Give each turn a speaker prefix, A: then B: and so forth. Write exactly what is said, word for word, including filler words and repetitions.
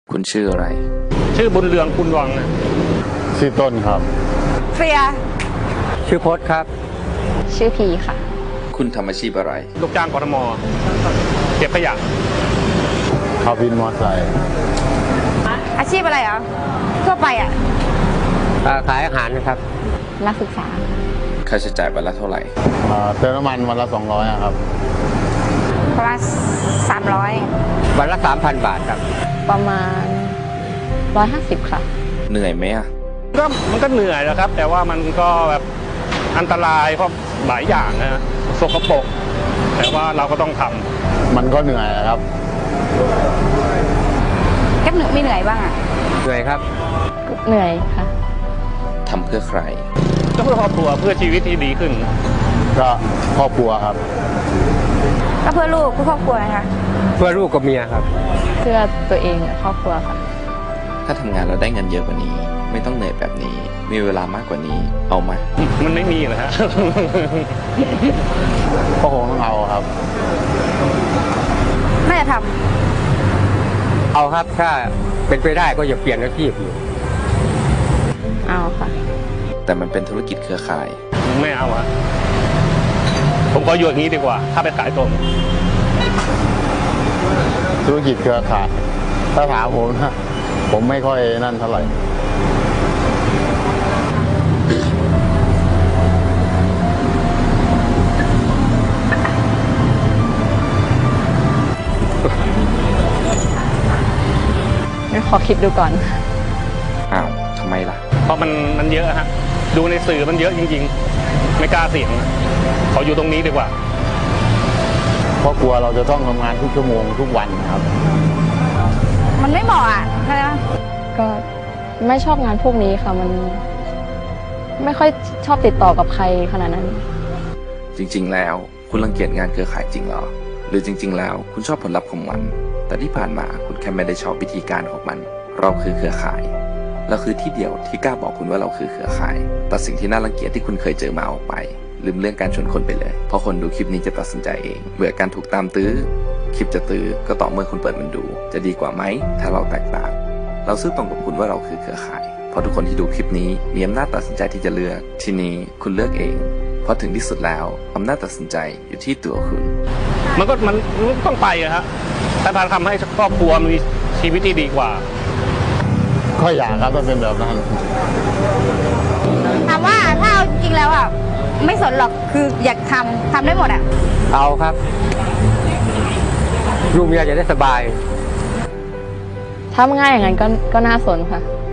A: คุณชื่ออะไร
B: ชื่อบุญเรืองคุณวังนะ
C: ชื่อต้นครับ
D: เฟีย
E: ชื่อพจน์ครับ
D: ชื่อพีค่ะ
A: คุณทำอาชีพอะไร
B: ลูกจ้างกทมเก็บขยะ
C: ขับวินมอเตอร์ไซค์
D: อาชีพอะไรอ่ะทั่วไปอ่ะ
E: ขายอาหารนะครับ
D: นักศึกษา
A: ค่าใช้จ่ายวันละเท่าไหร่
C: เติมน้ำมันวันละสองร้อยครับ
D: ประมาณสามร้อย
E: วันละสามพันบาทครับ
D: ประมาณร้อยห้าสิบค่ะ
A: เหนื่อยไหมอ่ะ
B: ก็มันก็เหนื่อยนะครับแต่ว่ามันก็แบบอันตรายเพราะหลายอย่างนะสกปรกแต่ว่าเราก็ต้องทำ
C: มันก็เหนื่อยครับ
D: แค่เหนื่อยไม่เหนื่อยบ้างอ่ะ
E: เหนื่อยครับ
D: เหนื่อยค่ะ
A: ทำเพื่อใคร
B: ก็เพื่อครอบครัวเพื่อชีวิตที่ดีขึ้น
C: ก็ครอบครัวครับ
D: ก็เพื่อลูกเพื่อครอบครัวนะคะ
E: เพื่อลูกกับเมียครับ
D: เพื่อตัวเองครอบครัวค่ะ
A: ถ้าทำงานแล้วได้เงินเยอะกว่านี้ไม่ต้องเหนื่อยแบบนี้มีเวลามากกว่านี้เอาไหม
B: มันไม่มีนะฮะ
C: ก็คงต้องเอาครับ
D: น่าจะท
E: ำเอาครับถ้าเป็นไปได้ก็อย่าเปลี่ยนอาชีพอยู่
D: เอาค่ะ
A: แต่มันเป็นธุรกิจเครือข่าย
B: ไม่เอาอะผมก็อยู่อย่างนี้ดีกว่าถ้าไปขายตรง
C: ธุรกิจเครือข่ายถ้าถามผมนะผมไม่ค่อยนั่นเท่าไหร่
D: ขอคิดดูก่อน
A: อ้าวทำไมล่ะ
B: เพราะมันมันเยอะฮะดูในสื่อมันเยอะจริงๆไม่กล้าเสี่ยงเขาอยู่ตรงนี้ดีกว่า
C: เพราะกลัวเราจะต้องทำงานทุกชั่วโมงทุกวันนะครับ
D: มันไม่เหมาะอ่ะใช่ไหมก็ไม่ชอบงานพวกนี้ค่ะมันไม่ค่อยชอบติดต่อกับใครขนาดนั้น
A: จริงๆแล้วคุณรังเกียจงานเครือข่ายจริงเหรอหรือจริงๆแล้วคุณชอบผลลัพธ์ของมันแต่ที่ผ่านมาคุณแค่ไม่ได้ชอบวิธีการของมันเราคือเครือข่ายเราคือที่เดียวที่กล้าบอกคุณว่าเราคือเครือข่ายตัดสิ่งที่น่ารังเกียจที่คุณเคยเจอมาออกไปลืมเรื่องการชวนคนไปเลยเพราะคนดูคลิปนี้จะตัดสินใจเองเบื่อการถูกตามตื้อคลิปจะตื้อก็ต่อเมื่อคุณเปิดมันดูจะดีกว่าไหมถ้าเราแตกต่างเราซื่อตรงกับคุณว่าเราคือเครือข่ายเพราะทุกคนที่ดูคลิปนี้มีอำนาจตัดสินใจที่จะเลือกทีนี้คุณเลือกเองเพราะถึงที่สุดแล้วอำนาจตัดสินใจอยู่ที่ตัวคุณ
B: มันก็มันต้องไปอะฮะถ้าทำให้ครอบครัวมีชีวิตที่ดีกว่า
C: ก็อยากครับมันเป็นแบบนั้น
D: ถามว่าถ้าเอาจริงๆแล้วอ่ะไม่สนหรอกคืออยากทำทำได้หมดอ่ะ
E: เอาครับลูกเมียจะได้สบาย
D: ถ้าง่ายอย่างนั้นก็ก็น่าสนค่ะ